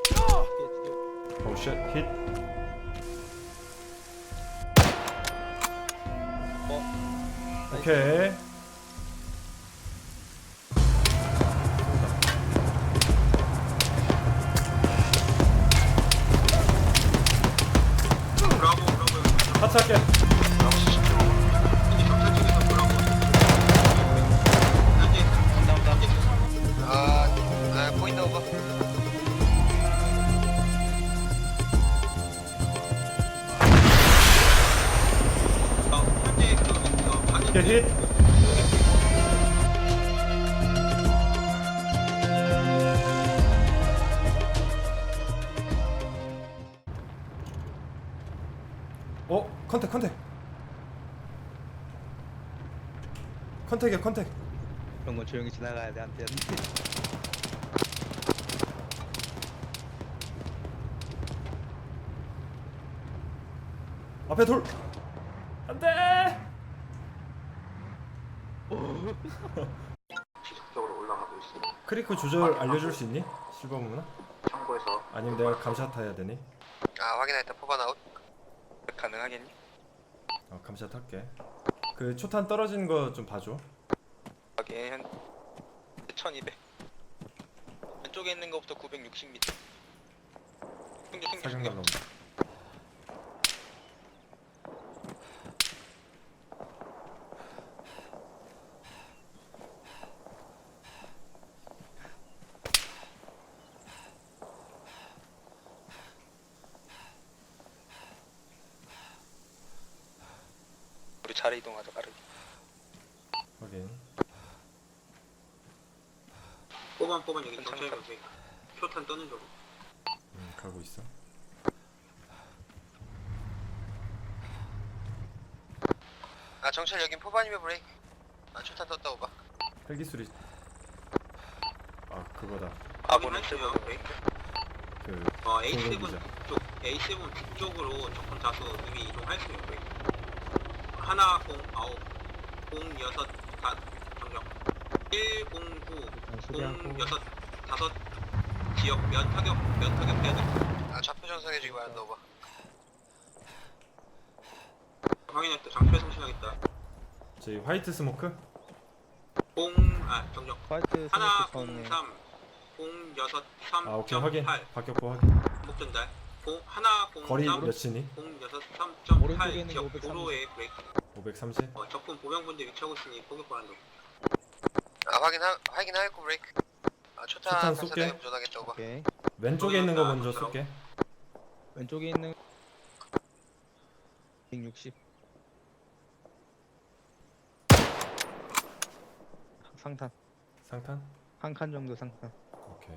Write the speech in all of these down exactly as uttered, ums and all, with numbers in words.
오 쉣, 힛. 어? 오케이. 브라보 브라보 같이 할게. 현재 경찰 측에서 브라보 현재 온다 온다. 아, 아 보인다 오버. 어, 현재 그 어, 방해 오케이, 힛. 어? 컨택 컨택 컨택이야 컨택. 그런 건 조용히 지나가야 돼. 안돼 안돼. 앞에 돌. 안돼. 지속적으로 올라가고 있습니다. 크리크 조절 알려줄 수 있니? 실버문아? 참고해서 아니면 내가 감샷 해야 되니? 아 확인했다. 포반 아웃. 가능하겠니? 어 감샷 할게. 그 초탄 떨어지는 거 좀 봐줘. 여기 한 천이백. 왼쪽에 있는 거부터 구백육십 미터. 승격 승격 사격 승격. 날로. 우리 자리 이동하자 빠르게. 확인. 뽑아 뽑아 여기 괜찮다. 경찰 경찰 표탄 떠는 쪽. 음, 가고 있어. 아 정찰 여긴 포반이면 브레이크. 아 초탄 떴다 오버. 헬기 소리. 아 그거다. 아군은 확인했어요. 실버. 네. 그 어 에이 세븐 공격이죠. 쪽 에이 세븐 북쪽으로 적군 다수 이미 이동할 수 있고요. 하나 공 아홉 공 여섯 다 정정 일공구 공 여섯 다섯 지역 면 타격 면 타격해야 돼. 아 좌표 전송해주기 바란다 오버. 확인했다. 장표 성신하겠다. 저희 화이트 스모크? 공아 정정 화이트 하나 스모크 전에 공삼 공 여섯 삼 아 오케이 점 확인. 팔 박격포 확인. 목전달 공 하나 거리 공삼 몇이니? 공 여섯 삼 점 오른쪽에 팔 있는 게 지역 오백삼십. 도로에 브레이크. 오백삼십. 어, 적군 보병분들 위치하고 있으니 포격 바란다. 아 확인하 확인하였고 브레이크. 아 초탄 초탄 발사대 쏠게. 운전하겠다 오버. 오케이. 왼쪽에 있는 거 먼저 쏠게. 왼쪽에 있는 백육십. 상탄 상탄? 한 칸 정도 상탄. 오케이.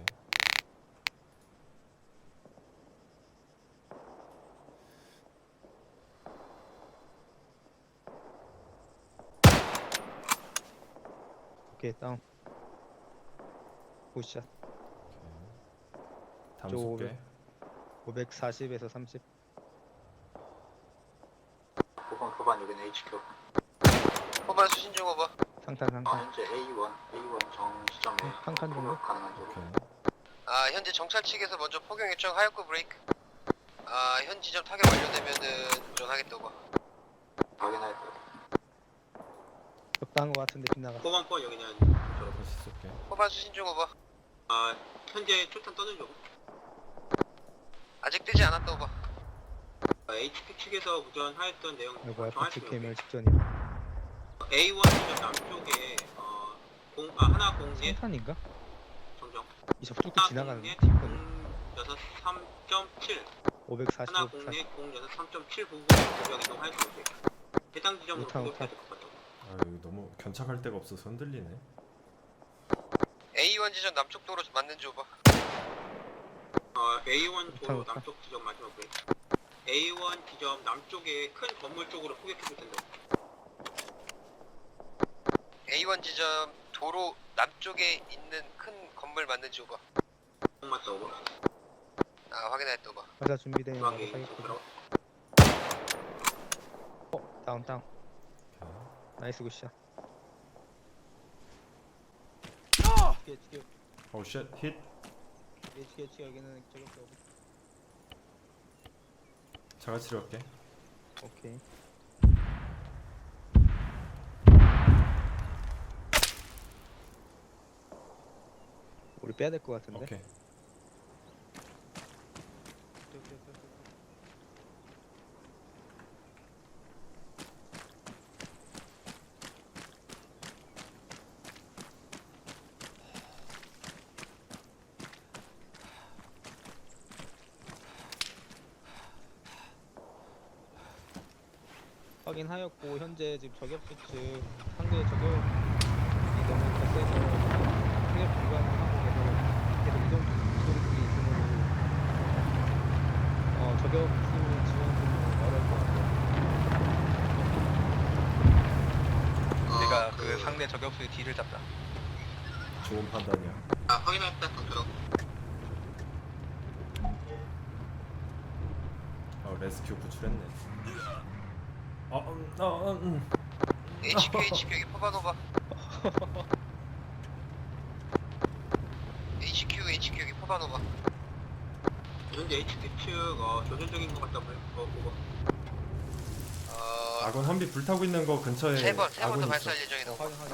오케이 다운. 굿샷. 다음 저 쏠게. 오백사십에서 삼십. 포반 포반 여기는 에이치큐. 포반 수신 중 오버. 상탄 어, 상탄. 현재 에이 원 에이 원 정시점에 한 칸 정도? 포격 가능한 쪽. 오케이. 아 현재 정찰 측에서 먼저 포경 요청하였고 브레이크. 아 현 지점 타격 완료되면은 운전하겠다 오버. 확인하였다. 적당한 거 같은데 빗나가. 포반 포 여기는 저로. 다시 쏠게. 포반 수신 중 오버. 아 현재 초탄 떠는 쪽. 아직 뜨지 않았다 오버. 아, 에이치피 측에서 우전하였던 내용 이거 알파 정하시면 개멸 직전이야. 에이 원 지점 남쪽에 어, 공, 아, 하나 공넷 상탄인가? 정정 이 접촉도 하나 지나가는 공넷 팀 공 여섯 삼 점 칠 오백사십, 하나 오백사십. 공넷 공 여섯 삼 점 칠 부분 공격 이동할 수 있게 해당 지점으로 오타, 공격해야 오타. 될 것 같다. 아 여기 너무 견착할 데가 없어서 흔들리네. 에이 원 지점 남쪽 도로 맞는 지 오버. 어, 에이 원 도로 오타, 오타. 남쪽 지점 마지막 브레이크 에이 원 지점 남쪽에 큰 건물 쪽으로 포격해줄 텐데 에이 원 지점 도로 남쪽에 있는 큰 건물 맞는 지 오버. 공 맞다 오버 아 확인했다 오버. 가자 준비되면 중앙에 사격하자. 들어 어 다운 다운. 오케이. 나이스 굿샷. 오 쉣, 힛. 에이치케이치 여기는 저격수 오브. 자가치료 할게. 오케이. 우리 빼야 될 것 같은데. 오케이. 뛰어, 뛰어, 뛰어, 뛰어. 확인하였고 현재 지금 저격수 측 상대 저격이 너무 거세서 타격 중단하고 계속 계속 이동 이동 중에 있으므로 어 저격수 지원 좀 어려울 것 같아요. 내가 그 상대 저격수의 뒤를 잡자. 좋은 판단이야. 아 확인했다. 정찰. 어 레스큐 구출했네. 어, 음, 어, 음, 음. 에이치큐 에이치큐 여기 포바노바. 에이치큐 에이치큐 여기 포바노바. 현재 에이치케이 측 어, 조준적인 것 같다 보고. 어, 아군 험비 불타고 있는 거 근처에 세 번, 세 번 아군이 더 있어. 발사할 예정이다. 확인 확인.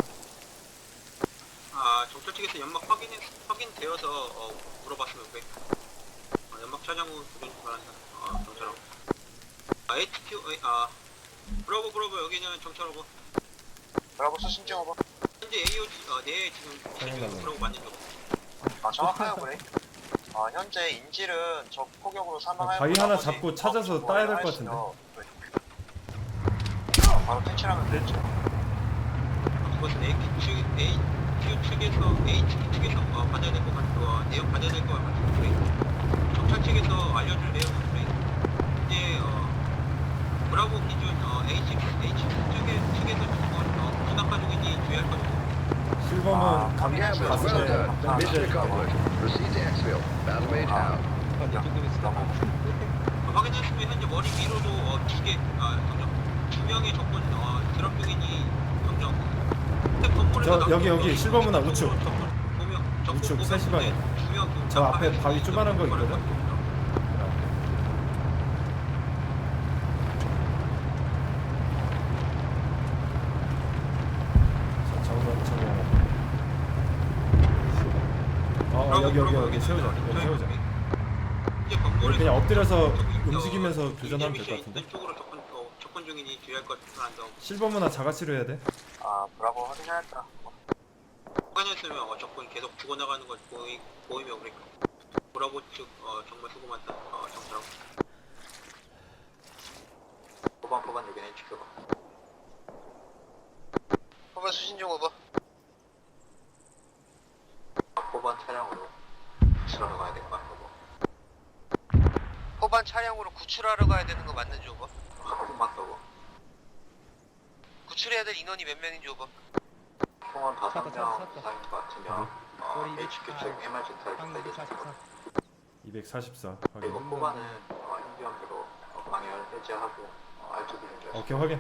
아 정찰 측에서 연막 확인 확인되어서 어, 물어봤으면 왜? 어, 연막 차장 후 조준 바란다. 어, 정찰하고. 아 에이치큐 아 브라보 브라보 여기는 정찰하고. 브라보 수신 중 오버. 현재 에이오지 어, 네 지금 확인하고. 브라보 맞는 중. 아 정확해요 브레이크. 아 현재 인질은 적 포격으로 사망하였고 바위 하나 나머지 잡고 찾아서 따야 될 것 같은데. 바로 퇴출하면 되죠. 그것은 A 측 A Q 측에서 A 측 측에서 어, 받아야 될 것 같고 어, 내용 받아야 될 것 같은데 정찰 측에서 알려줄 내용은 그래. 이제 어, 브라보 기준 어, A 측 A 측 측에 측에서 어, 어, 진압 가족인지 주의할 거고. 실버는 감 Well 가슴에 done. Mission 맺을 때. accomplished. Proceed to exfil. Battle mage out. 아, 이 정도면 진짜 어, 확인했으면 현재 머리 위로도 어, 두 개, 아, 정정. 두 명의 적군 어, 드랍 중이니 정정. 근데 건물에서 저, 나온 여기, 여기, 적군, 실버문화 적군, 우측. 적군 두 명, 적군 우측 두 세 명 시 방에. 중에 두 명, 그 저 앞에 깜빡이 바위 조그만한 거 있는 있거든? 거거든요. 자, 정면, 정면. 어, 어, 여기, 여기, 여기 세우자. 여기 세우자. 이제 여기 건물에서 그냥 엎드려서 저기, 어, 움직이면서 이제 교전하면 될 것 미션 같은데? 있는 쪽으로 접근, 어, 접근 중이니 주의할 것 같아서 실버문화 자가치료 해야 돼? 아 브라보 확인하였다. 확인했으면 어, 적군 계속 죽어나가는 걸 보이, 보이면 우리 브라보 측 어, 정말 수고 많다. 어, 정찰하고. 포반 포반 여기는 지켜봐. 포바 수신 중 오버. 포반 차량으로 수출하러 가야 될 것 같고. 포반 차량으로 구출하러 가야 되는 거 맞는지 오버. 아, 맞다고. 구출해야 될 인원이 몇 명인지 오버. 총은 다섯 찾았다, 명 찾았다. 이상인 것 같으면 어, 머리 에이치큐 아, 측 엠알지 타입 방금 이백사십사. 이백사십사. 그리고 확인. 포반은 어, 인비언으로 어, 방해를 해제하고 어, 알투비 준비하고. 오케이, 확인.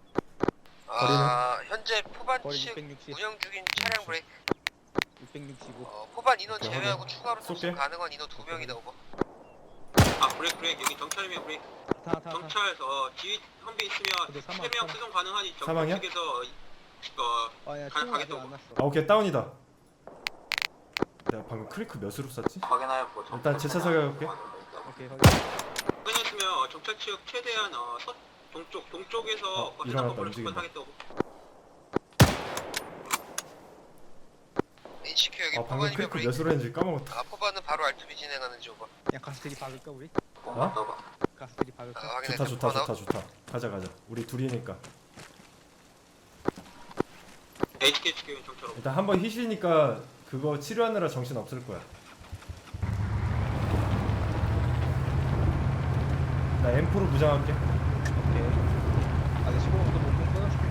아 현재 포반 거리 측 육백육십. 운영 중인 차량 브레이크. 육백육십오. 어, 포반 인원 오케이, 제외하고 확인. 추가로 쏠게. 탑승 가능한 인원 두 명이다 오버. 아 브레이크 브레이크 여기 정찰이면 브레이크. 타, 타, 타. 정찰 어 지휘 헌비 있으면 근데 사망, 세 명 사망. 수송 가능하니 사망이야? 정찰 측에서 어 아, 야, 가- 총은 아직 가겠다고. 안 났어. 아, 오케이, 다운이다. 내가 방금 크리크 몇으로 쐈지? 확인하였고 일단 제 차석에 갈게. 오케이, 확인. 확인했으면 어, 정찰 측 최대한 어, 서, 동쪽 동쪽에서 어, 어, 일어났다, 건물을 움직인다. 접근하겠다고. 에이치큐 여기 아, 방금 포반이면 크리크 브레이크. 몇으로 했는지 까먹었다. 아 포반은 바로 알투비 진행하는지 오버. 야, 가스트리 박을까 우리? 어? 가스트리 아, 박을까? 확인했다. 좋다, 좋다, 포반 좋다, 좋다. 가자, 가자. 우리 둘이니까. 에이치케이 측은 정찰하고. 일단 한번 희시니까 그거 치료하느라 정신 없을 거야. 나 엠포로 무장할게. 오케이. 아, 내 십오번도 몸통 끊었어.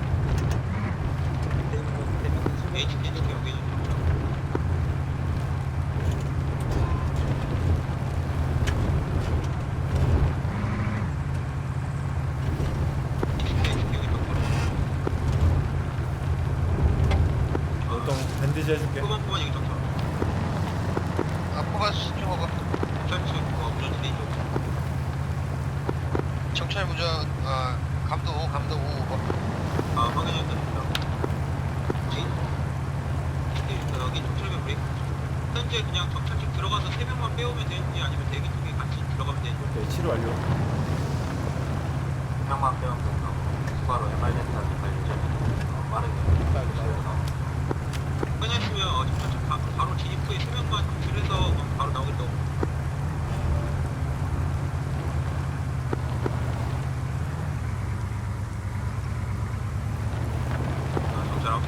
밑에 있는 거, 밑에 있는 거 십오. 에이치케이 측 여기는 정찰하고. 에이치케이 측 여기 정찰하고. 보통 밴디지 해줄게. 포반 포반 여기 정찰하고. 아 포반 수신 중 빼오면 되는지 아니면 대기 쪽에 같이 들어가면 되는지. 오케이, 치료 완료. 명만 빼면 된다고. 추가로 엠알젠타지 관리자 빠르게 끝냈으면 어, 저, 바, 바로 진입 후에 세 명만 줄여서 어, 바로 나오겠다고. 아, 정찰하고.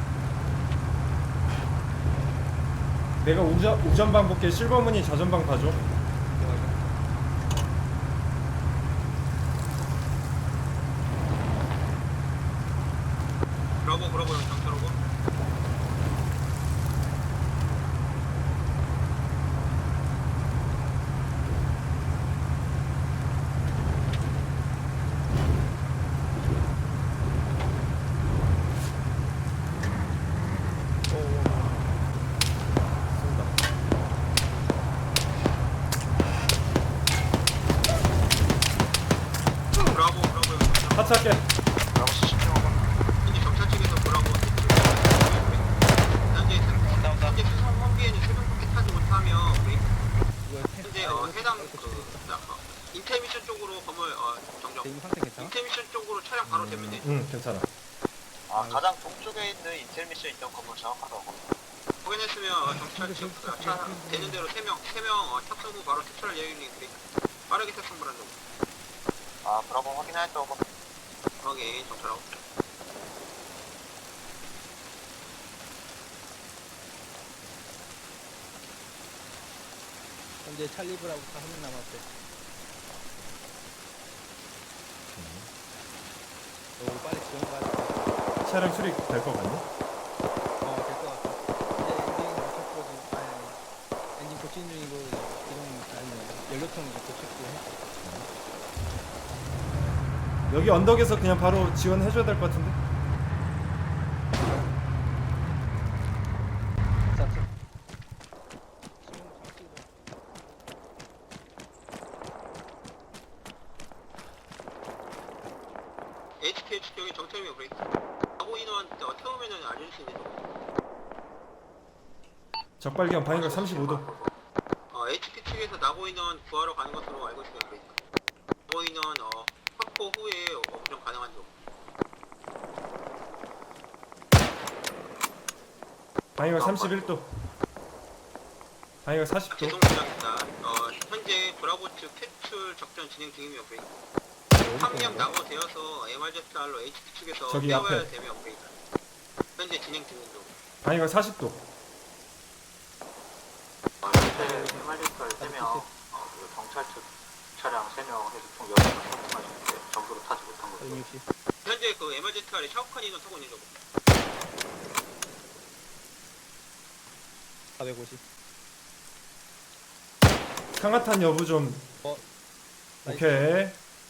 내가 우전, 우전방 볼게. 실버문이 좌전방 봐줘. 브라보 브라보 형 정찰하고. 브라보 브라보 형 정찰. 하차할게. 현재 경찰 측에서 보라고 현재 현재 수상 환기에는 세명밖에 타지 못하며 우리 현재 어, 해당 그 어, 인텔 미션 쪽으로 건물 어, 정정. 지금 상태 괜찮아? 인텔 미션 쪽으로 차량 바로 대면 돼. 응, 괜찮아. 아, 가장 동쪽에 있는 인텔 미션 있던 건물 정확하다고. 확인했으면 어, 경찰 측 어, 차 되는 대로 세 명 세 명 어, 탑승 후 바로 퇴출할 예정인 우리 빠르게 탑승 바란다고. 아, 브라보 확인했다고. 확인 정찰하고. 현재 찰리브라고 한 명 남았대. 너 빨리 지원 가야 돼. 차량 수리 될 것 같니? 어, 될 것 같아. 이제 엔진 고쳤고 지금 아니, 아니 엔진 고치는 중이고 이동 아니 연료통 이제 고쳤고 해. 여기 언덕에서 그냥 바로 지원해줘야 될 것 같은데? 자, 자. 에이치케이 측정이 정찰미 브레이크. 하고 인원 어, 태우면은 알려줄 수 있는 적발견 방위각 삼십오 도. 어, 에이치케이 측에서 나고 인원 구하러 가는 것으로 알고 있습니다. 브레이크. 나고 인원 어, 확보 후에 어, 운영 가능한 점. 방위각 삼십일 도. 방위각 사십 도. 죄송 부탁입니다. 어, 현재 브라보 측 퇴출 작전 진행 중이며 브레이크. 한 명 낙오되어서 엠알제스알로 에이치피 측에서 저기 빼와야 앞에. 되며 브레이크. 현재 진행 중인 중. 방위각 사십 도. 현재 엠알제스알 세 명, 어, 그리고 경찰 측 차량 세 명 해서 총 여섯 명 탑승하시는데 전부로 타지 못한 거죠. 백육십. 현재 그 엠알제스알에 샤오칸 인원 타고 있는 거. 사백오십. 상하탄 여부 좀. 어. 오케이.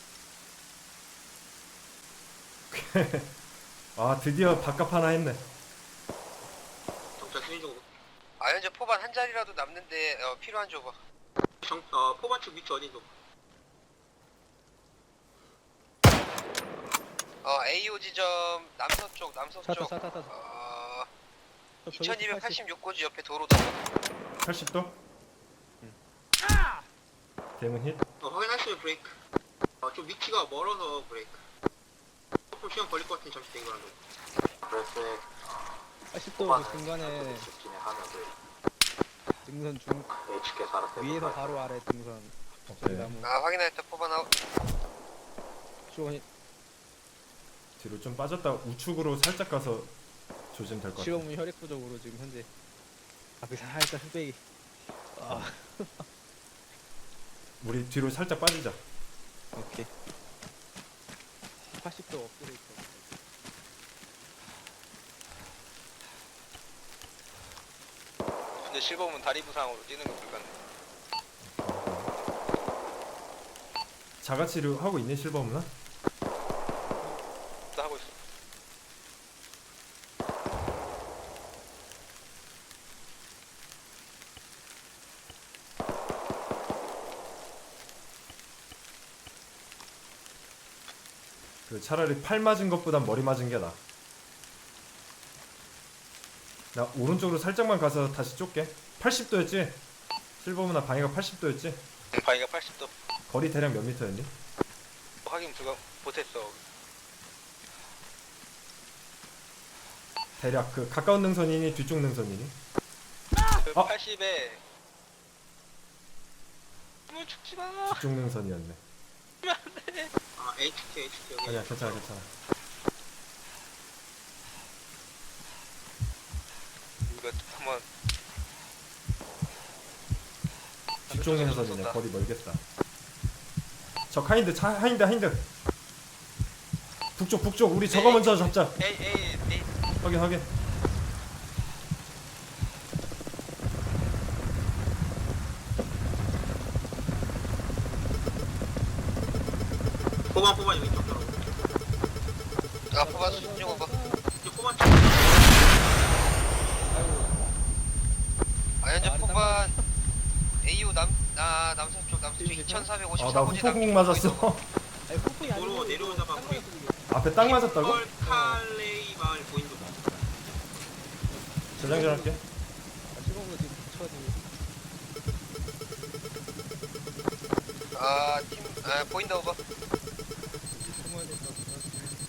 아, 드디어 밥값 하나 했네. 경찰 수신 중. 아, 현재 포반 한 자리라도 남는데 어, 필요한 조거. 정, 어, 포반 측 위치 어디 좀. 어, 에이오 지점 남서쪽, 남서쪽. 차타 차타 차타. 어, 저 저기 이천이백팔십육 고지 옆에 도로다. 팔십 도. 대문 힛. 어, 확인하시면 브레이크. 어, 좀 위치가 멀어서 브레이크. 조금 시간 걸릴 것 같은 잠시 대기 바란다. 그래서 팔십 도 그 중간에 진행하면 브레이크. 등선 중 에이치케이에서 알아서 위에서 바로 아래 등선. 저기 오케이. 나무. 아, 확인했다. 포반 아웃. 지원 뒤로 좀 빠졌다 우측으로 살짝 가서 조심 될 것 같아. 실험은 혈액 부족으로 지금 현재 앞에 살짝 흑백이. 아, 우리 뒤로 살짝 빠지자. 오케이. 팔십 도 업그레이드. 근데 실버문 다리 부상으로 뛰는 거 불가능. 자가치료 하고 있니 실버문아? 나 하고 있어. 그 차라리 팔 맞은 것보단 머리 맞은 게 나아. 나 오른쪽으로 살짝만 가서 다시 쫓게. 팔십 도였지? 실버문화 방해가 팔십 도였지? 응, 방위가 팔십 도. 거리 대략 몇 미터였니? 확인 불가 못했어. 대략 그 가까운 능선이니 뒤쪽 능선이니? 그 어? 팔십에 뭐 죽지 마. 뒤쪽 능선이었네. 아 에이치티 에이치티 여기 아니야 괜찮아 괜찮아. 이거 한번 뒤쪽 능선이네. 거리 멀겠다. 저 하인드 차 하인드 하인드. 북쪽 북쪽 우리 저거 먼저 잡자. 에이 에이 에이. 확인 확인. 포반 포반 여기 쪽 들어오고 아 포반 수신 중 오버. 이제 포반 쪽 아 현재 포반 에이오 남아 남서쪽 남서쪽 이천사백오십사 아나 호지 후폭 맞았어. 아니 폭풍이 아니고 도로 내려오자마자 딱 우리 맞았어, 지금. 앞에 딱 맞았다고? 펄 칼레이 마을 보인 쪽 저장전 할게. 아, 실버문화 지금 붙여가지고 아팀아 보인다 오버. 숨어야 될 것 같아.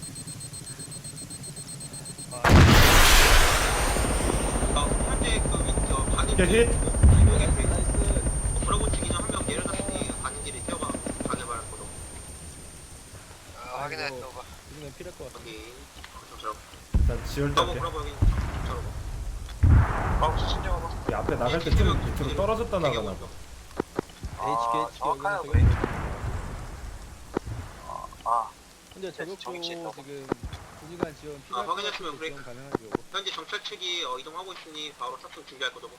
어, 현재 그 위저 가는 오케이, 힛. 이동에 그 나이스. 브라보 측이는 한 명 내려놨으니 가는 길에 뛰어가 방해받을 거로 아 확인했다 오버. 우리는 필요할 것 같아. 여기 저처럼 일단 지울 때 너무 할게. 브라보 여기 저처럼 아 수신 중 오버. 이 앞에 나갈 때 좀 밑으로 떨어졌다 나가나 봐. 에이치케이 에이치케이 정확하요, 여기는 저격. 현재 저격도 정치 지금 있다고. 군의관 지원 필요할 아, 것 확인했으면 같아서 브레이크. 지원 가능하지 요거. 현재 정찰 측이 어, 이동하고 있으니 바로 탑승 준비할 거고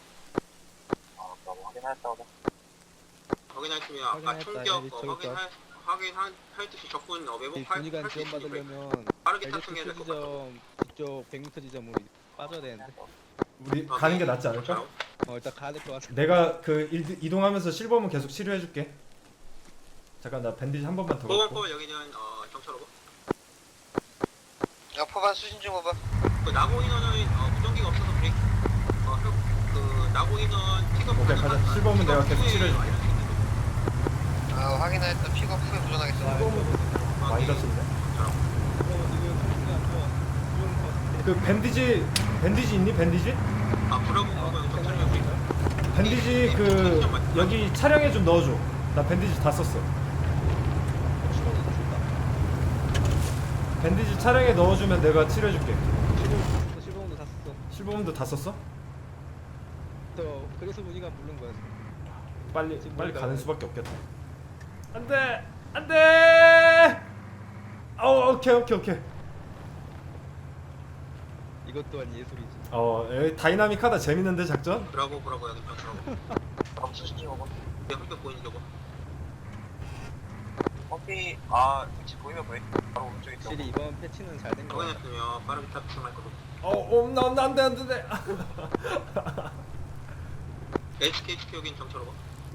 확인하시면 아까 확인했다. 총격 여기 어, 저기 확인할 확인할 할 듯이 적군 어, 이 매복 할 군의관 할수 지원 있으니 브레이크. 받으려면 빠르게 탑승해야 엘제트 될 것 같아. 지점 이쪽 백 미터 지점으로 빠져야 되는데 우리 가는 게 낫지 않을까? 어 일단 가야 될 것 같아. 내가 그 일, 이동하면서 실버문 계속 치료해줄게. 잠깐 나 밴디지 한 번만 더 포번 갖고. 포번 여기는 어, 정찰하고 아 포반 수신 중 오버. 그 나고 인원은 어, 무전기가 없어서 브레이크. 어, 그, 그 나고 인원 픽업 오케이, 가자. 실버문 내가 계속 치료해줄게. 아 확인했다. 픽업 후에 도전하겠습니다. 많이 다쳤네. 그 밴디지 밴디지 있니? 밴디지? 아 브라보 포번 정찰하면 브레이크. 밴디지 그 여기 차량에 좀 넣어줘. 나 밴디지 다 썼어. 밴디지 차량에 넣어주면 내가 치료해줄게. 실버문도 다 썼어. 실버문도 다 썼어? 또 그래서 군의관 부른 거야. 빨리 지금 빨리 뭘까요? 가는 수밖에 없겠다. 안돼 안돼. 어 오케이 오케이 오케이. 이것 또한 예술이지. 어 에이, 다이나믹하다. 재밌는데 작전? 브라보 브라보 여기 정찰하고. 브라보 수신 중 오버. 네, 한명 보이는 저거. 커피 아 위치 보이면 보이. 바로 오른쪽에 확실히 이번 패치는 잘 된 거 같아. 확인했으면 빠르게 탑승할 거고. 어 엄나 엄나 안돼 안돼. 에이치케이 에이치케이 여긴 정찰하고.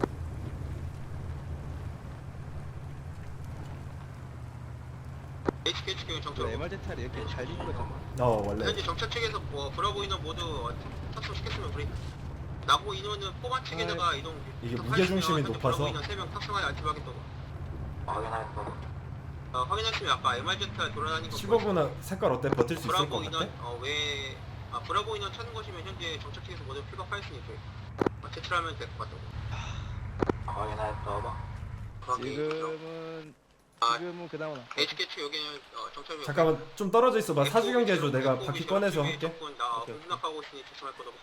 에이치케이 에이치케이 여긴 정찰하고. 엠알제트알이 이렇게 잘 된 거잖아. 어 원래 현재 정찰 측에서 뭐 브라보 인원 모두 탑승시켰으면 브레이크. 나고 인원은 포반 측에다가 이동. 이게 무게 중심이 높아서. 브라보 인원 세 명 탑승하여 알티하겠다고. 확인하였다고. 어, 확인했으면 아까 엠알제트알 돌아다니는 거. 실버문화 색깔 어때? 버틸 수 있을 브라보 것 같아? 인원 어왜 아 브라보 인원 찾는 것이면 현재 정찰 측에서 모두 픽업하였으니 어, 제출하면 될 것 같다고. 확인하였다고. 지금은 아, 지금은 그나마 나. 에이치케이 측 여기는 어, 정찰. 잠깐만 좀 떨어져 있어봐. 사주 경계해줘. 내가 바퀴 꺼내서 할게. 적군 나 오케이, 오케이. 공격하고 있으니 조심할 거다.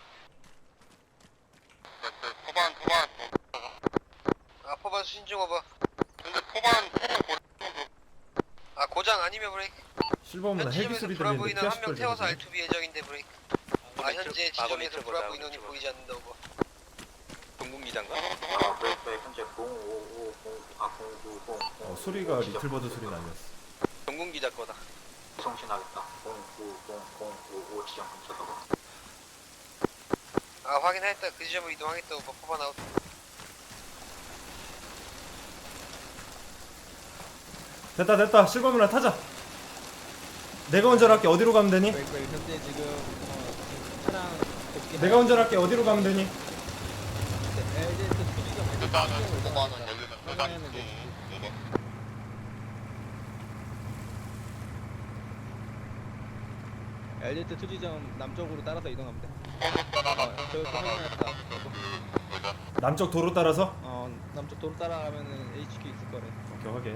포반 포반. 아 포반 수신 중 오버. 근데 포반 아 고장 아니면 브레이크. 실버문화 현 헬기 지점에서 소리 브라보 들리는데 인원 한 명 피아십 태워서 걸리네. 알투비 예정인데 브레이크. 아 현재 지점에서 브라보 인원이 보이지 않는다 오버. 동국기장가? 아 브레이크에 현재 공오오공아 공구공 어 소리가 리틀버드 소리는 아니었어. 동국기자 거다. 송신하겠다. 공구공공오오 지점 근처다고. 아 확인했다. 그 지점으로 이동하겠다 오버. 포반 아웃. 됐다 됐다. 실버문화 타자. 내가 운전할게. 어디로 가면 되니? 왜, 왜 현재 지금 어, 지금 차량 복귀 내가 운전할게. 어디로 가면 되니? 엘제트 일단은 오만원 열리는 확인하는 여단 게 엘리트 투지점 남쪽으로 따라서 이동하면 돼. 어, 저기 확인했다. 남쪽 도로 따라서? 어, 남쪽 도로 따라가면은 에이치큐 있을 거래. 오케이 확인.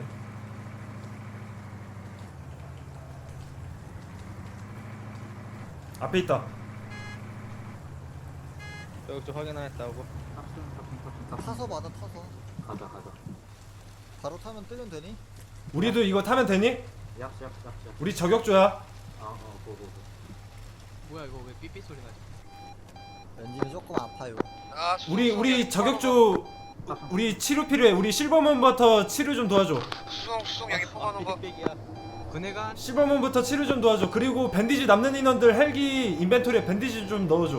앞에 있다. 저기 쪽 확인했다고. 타서 받아 타서 가자 가자 바로 타면 뜨면 되니? 우리도 이거 타면 되니? 우리 저격조야. 뭐야 이거 왜 삐삐 소리 나지? 엔진이 조금 아파요. 아, 우리 수송, 우리 수송, 저격조 우리 치료 필요해. 우리 실버문부터 치료 좀 도와줘. 수송 수송 여기 포만 오버. 빅백이야. 그네가 실버문부터 치료 좀 도와줘. 그리고 밴디지 남는 인원들 헬기 인벤토리에 밴디지 좀 넣어줘.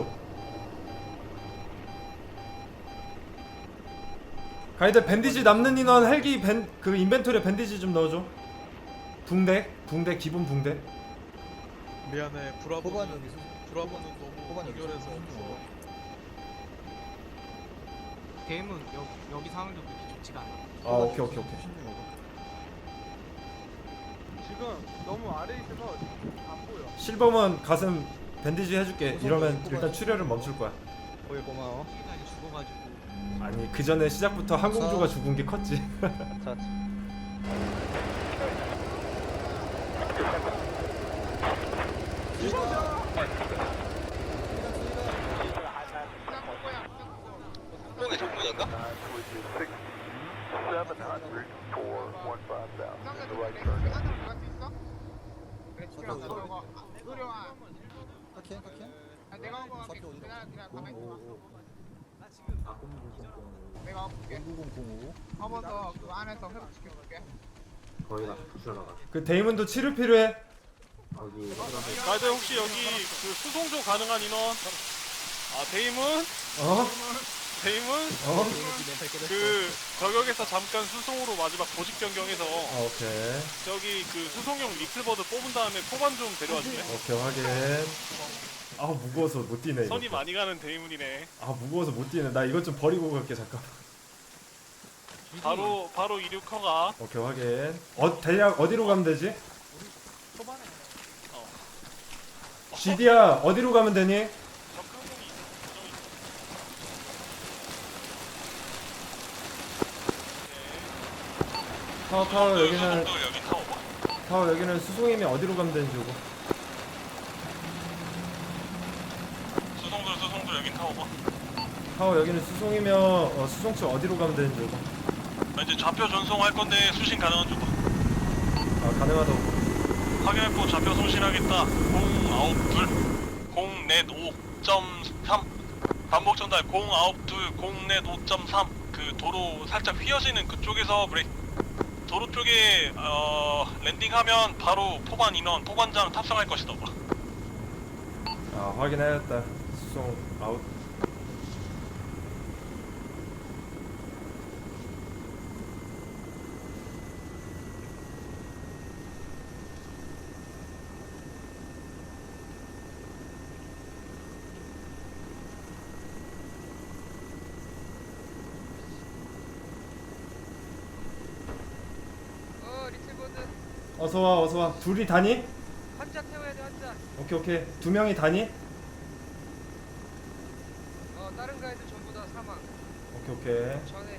가이드 밴디지 남는 인원 헬기 밴 그 인벤토리에 밴디지 좀 넣어줘. 붕대 붕대 기본 붕대. 미안해 호반 브라보는 여기 수 브라보는 너무 호반 여기 연결해서 수송 없어. 먹어. 게임은 여, 여기 상황도 그렇게 좋지가 않아. 아 오케이 오케이 오케이. 수송 먹어. 지금 너무 아래 있어서 안 보여. 실버문 가슴 밴디지 해줄게. 이러면 일단 출혈을 멈출 거야. 거기 고마워. 피가 이제 죽어가지고 아니 그 전에 시작부터 항공주가 죽은 게 컸지. 자, 수송의 정문인가? 타켄 타켄. 좌표 어디로? 공오오. 내가 공구공공오. 한 번 더 그 안에서 회복시켜줄게. 그 데이먼도 치료 필요해. 가이드 혹시 여기 그 수송조 가능한 인원? 아 데이문? 어? 데이문? 어? 그 저격에서 잠깐 수송으로 마지막 보직 변경해서 아, 오케이. 저기 그 수송용 리틀버드 뽑은 다음에 포반 좀 데려와 줄래? 오케이 확인. 아 무거워서 못 뛰네. 이거. 선이 많이 가는 데이문이네. 아 무거워서 못 뛰네. 나 이것 좀 버리고 갈게 잠깐. 바로 바로 이륙 허가. 오케이 확인. 어 대략 어디로 가면 되지? 초반에 어. 지디야 어디로 가면 되니? 적항공이 타워 타워 여기는 여기 타워. 타워 여기는 수송이면 어디로 가면 되는지 오고. 수송들 수송들 여기 타워. 타워 여기는 수송이면 어, 수송치 어디로 가면 되는지 오고. 이제 좌표 전송할 건데 수신 가능한 쪽. 아 가능하다고. 확인했고 좌표 송신하겠다. 공구둘 공넷 오 점 삼 반복 전달 공구둘 공넷 오 점 삼 그 도로 살짝 휘어지는 그쪽에서 브레이크. 도로 쪽에 어 랜딩하면 바로 포반 인원 포반장 탑승할 것이다. 아 확인해야겠다. 수송 아웃. 어 리틀버드 어서 와 어서 와. 둘이 다니? 환자 태워야 돼 환자. 오케이 오케이. 두 명이 다니? 어 다른 가이드 전부 다 사망. 오케이 오케이. 전에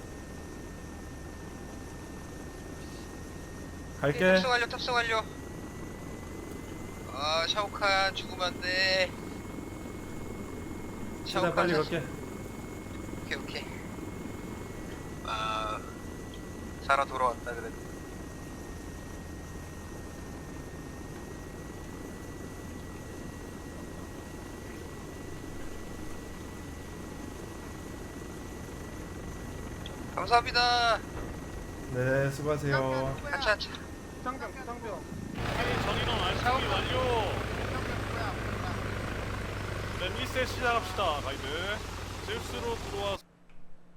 갈게. 탑승 완료 탑승 완료. 아 샤오칸 죽으면 안 돼. 최대한 빨리 자식. 갈게. 오케이 오케이. 아 살아 돌아왔다 그래도. 감사합니다. 네 수고하세요. 한차 한차. 부상병 부상병. 전인원 알수기 완료. 네 리셋 시작합시다 가이드. 제우스로 들어와.